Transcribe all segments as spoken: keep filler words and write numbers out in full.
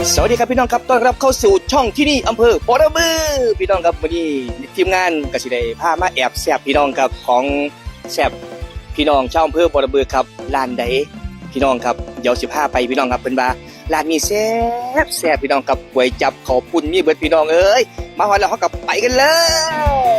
สวัสดีครับพี่น้องครับต้อนรับเข้าสู่ช่องที่นี่อำเภอบ่อระบือพี่น้องครับวันนี้ทีมงานกสิได้พามาแอบแซบพี่น้องครับของแซบพี่น้องชาวอำเภอบ่อระบือครับร้านใดพี่น้องครับเดี๋ยวสิพาไปพี่น้องครับเพิ่นว่าร้านนี้แซ่บแซ่บพี่น้องครับก๋วยจับข้าวปุ้นมีเบิดพี่น้องเอ้ยมาฮอดแล้วเฮาก็ไปกันเลย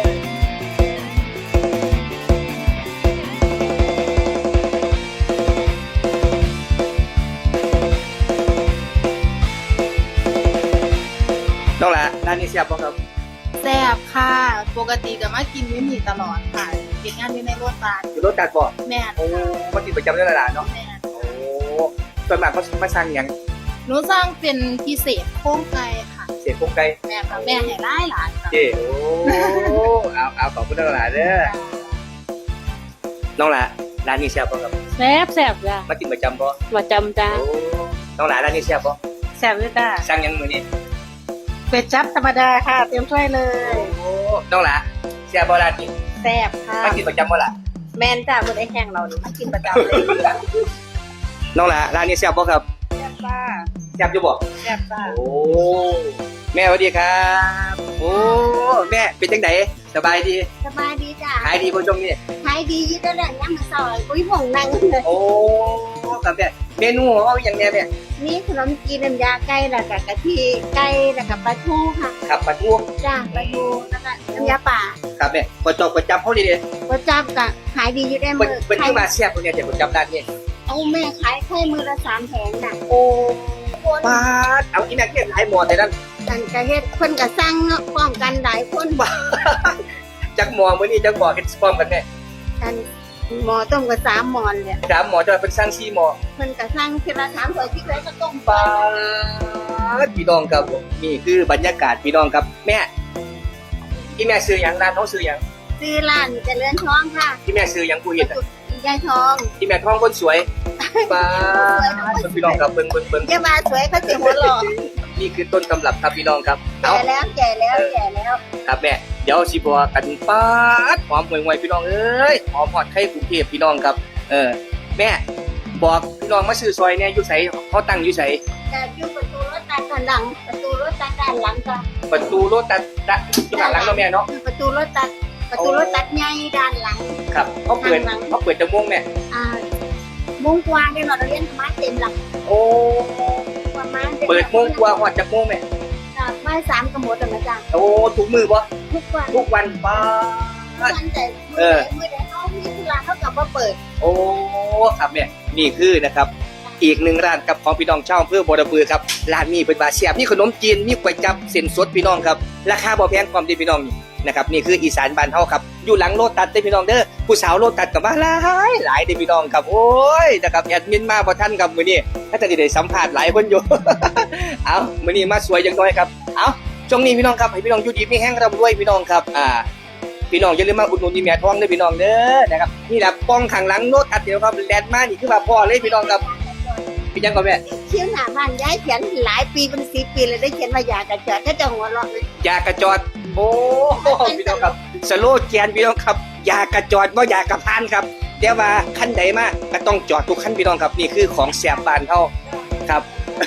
น้องละร้านนี้แซ่บบ่ครับแซ่บค่ะปกติก็มากินวิมีตลอดค่ะเก็บงานอยู่ในรถบัสอยู่รถตัดบ่แม่นโอ้มากินประจำในร้านเนาะแม่นโอ้ส่วนมากเขามาสั่งหยังหนูสร้างเป็นพิเศษโค้งไก่ค่ะเศษพวกไก่แม่ค่ะแม่ให้หลายหลานค่ะเจ้โอ้เอาเอาขอบคุณน้องละเด้อน้องละร้านนี้แซ่บบ่ครับแซ่บแซ่บจ้ะมากินประจำบ่มาจำจ้าโอ้น้องละร้านนี้แซ่บบ่แซ่บด้วยจ้าสั่งหยังมื้อนี้เป็ดจับธรรมดาค่ะเตรียมถ้วยเลโอ้ยน้องละแซ่บบ่ร้านนี้แซ่บค่ะมากินประจำบ่ล่ะแมนจ้าบนไอ้แห้งเรานี่มากินประจำเลยน้องละร้านนี้แซ่บบ่ครับแซ่บจ้าแซ่บอยู่บ่แซ่บจ้าโอ้แม่สวัสดีครับโอ้แม่เป็นจังไดสบายดีสบายดีจ้ะขายดีบ่ช่วงนี้ขายดียิ่งได้แหล่งย่ำมาซอยกุ้ยห่วงนั่งเลยโอ้ครับแม่เมนูของเราอย่างแน่แม่นี่ขนมจีนน้ำยาไก่แล้วก็กะทิไก่แล้วก็ปลาทูค่ะครับปลาทูจ้าปลาทูแล้วก็น้ำยาป่าครับแม่บ่จอกบ่จับเฮาดีเด้ก็จับกะขายดีอยู่ได้เพิ่มืนอเพิ่นขาคืยอมาแซ่บตรงเนี้ยแต่บ่จับร้านนี้เอาแม่ขายแค่มือละสามแผงน่ะโอ้ปาดเอาอีแม่เก็บหลายหม้อแต่นั้นกันกะเฮ็ดคนกะสั่งเนาะพร้อมกันหลายคนบ่จักหม้อมื้อนี้จักหม้อเฮ็ดพร้อมกันแม่กันหมอต้มกับสามหมอนเนี่ยสามหม้อจะเพิ่นสั่งสี่หม้อเพิ่นกะสั่งทีละสามถ้วยที่เคยก็ต้มปาดพี่น้องครับผมนี่คือบรรยากาศพี่น้องครับแม่อีแม่ซื้อหยังร้านเฮาซื้อหยังซื้อร้านเจริญทองค่ะอีแม่ซื้อหยังผู้เฮ็ดอะยายทองอีแม่ท้องคนสวยปาดพี่น้องครับเบิ่งเบิ่งเบิ่งจะมาสวยเขาสิหัวหล่อนี่คือต้นตำรับครับพี่น้องครับเอาแก่แล้วแก่แล้วแก่แล้วครับแม่เดี๋ยวสิบอกกันป๊าดหอมห่วยๆพี่น้องเอ้ยหอมฮอดไข่กรุงเทพพี่น้องครับเออแม่บอกพี่น้องมาซื้อซอยเนี่ยอยู่ไสเขาตั้งอยู่ไสจะอยู่ประตูรถตัดด้านหลัง ประตูรถตัดด้านหลังก็ประตูรถตัดตัดอยู่ข้างหลังเนาะแม่เนาะคือประตูรถตัด ประตูรถตัดใหญ่ด้านหลังครับเขาเปิดเขาเปิดจะม่วงแม่อ่าโมุ้งกวางเนี่ยเราเรียนธรรมะเต็มหลังโอ้ประมาณเปิดโมงกว่าฮอดจักโมงแม่จากไม้สามกระหมดนะจ๊ะโอ้ทุกมือบ่ทุกวันทุกวันป๊าทุกดวันแต่เอเมื่ออใดเขามีธุระเขากลับมาเปิดโอ้ครับแม่นี่คือนะครับอีกหนึ่งร้านกับของพี่น้องชาวอำเภอบ่อระบือครับร้านนี้เป็นบาเสียบมีขนมจีนมีก๋วยจั๊บเส้นสดพี่น้องครับราคาบ่แพงความดีพี่น้องนี่นะครับนี่คืออีสานบ้านเฮาครับอยู่หลังโลตัสเด้อพี่น้องเด้อผู้สาวโลตัสก็มาหลายหลายเด้อพี่น้องครับโอ้ยนะครับแอดมินมาบ่ทันครับมื้อนี้ถ้าจะได้สัมภาษณ์หลายคนอยู่ เอามื้อนี้มาสวยจังน้อยครับเอาช่วงนี้พี่น้องครับให้พี่น้องอยู่ดีมีแห้งร่ำรวยพี่น้องครับอ่าพี่น้องอย่าลืมมาอุดหนุนนี่แม่ทองเด้อพี่น้องเด้อนะครับนี่แหละป้องข้างหลังโลตัสเดี๋ยวครับแลนด์มานี่คือว่าพ่อเลยพี่น้องครับพี่ยังก่อนแม่เชี่ยวหน้าบ้านย้ายเขียนหลายปีเป็นสิบปีเลยได้เขียนมาอยากระเจิดถ้าจะหัวเราะเลยยากระจอดโอ้พี่น้องครับสโลแกนพี่น้องครับยากระจอดว่าอยากระพานครับแต่ว่าขั้นใดมาก็ต้องจอดทุกขั้นพี่น้องครับนี่คือของแสบบ้านเฮาครับ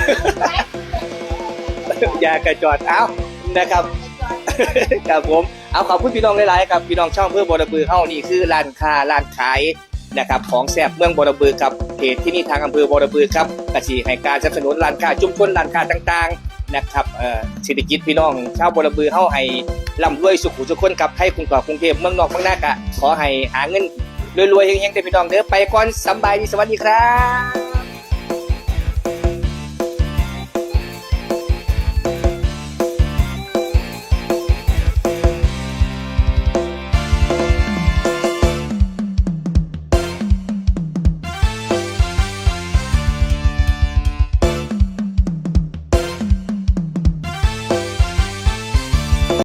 ยากระจอดเอ้านะครับ ครับผมเอาขอบคุณพี่น้องหลายๆครับพี่น้องช่องเพื่อบ่อระบือเฮานี่คือร้านค้าร้านขายนะครับของแซ่บเมืองบ่อระบือครับเพจที่นี่ทางอำเภอบ่อระบือครับกสิให้การสนับสนุนร้านค้าชุมชนร้านค้าต่างๆนะครับเอ่อเศรษฐกิจพี่น้องชาวบ่อระบือเฮาให้ร่ำรวยสุขุทุกคนครับให้กรุงเก่ากรุงเทพเมืองนอกเมืองนากะขอให้หาเงินรวยๆเฮงๆเด้อพี่น้องเด้อไปก่อนสำบายดีสวัสดีครับ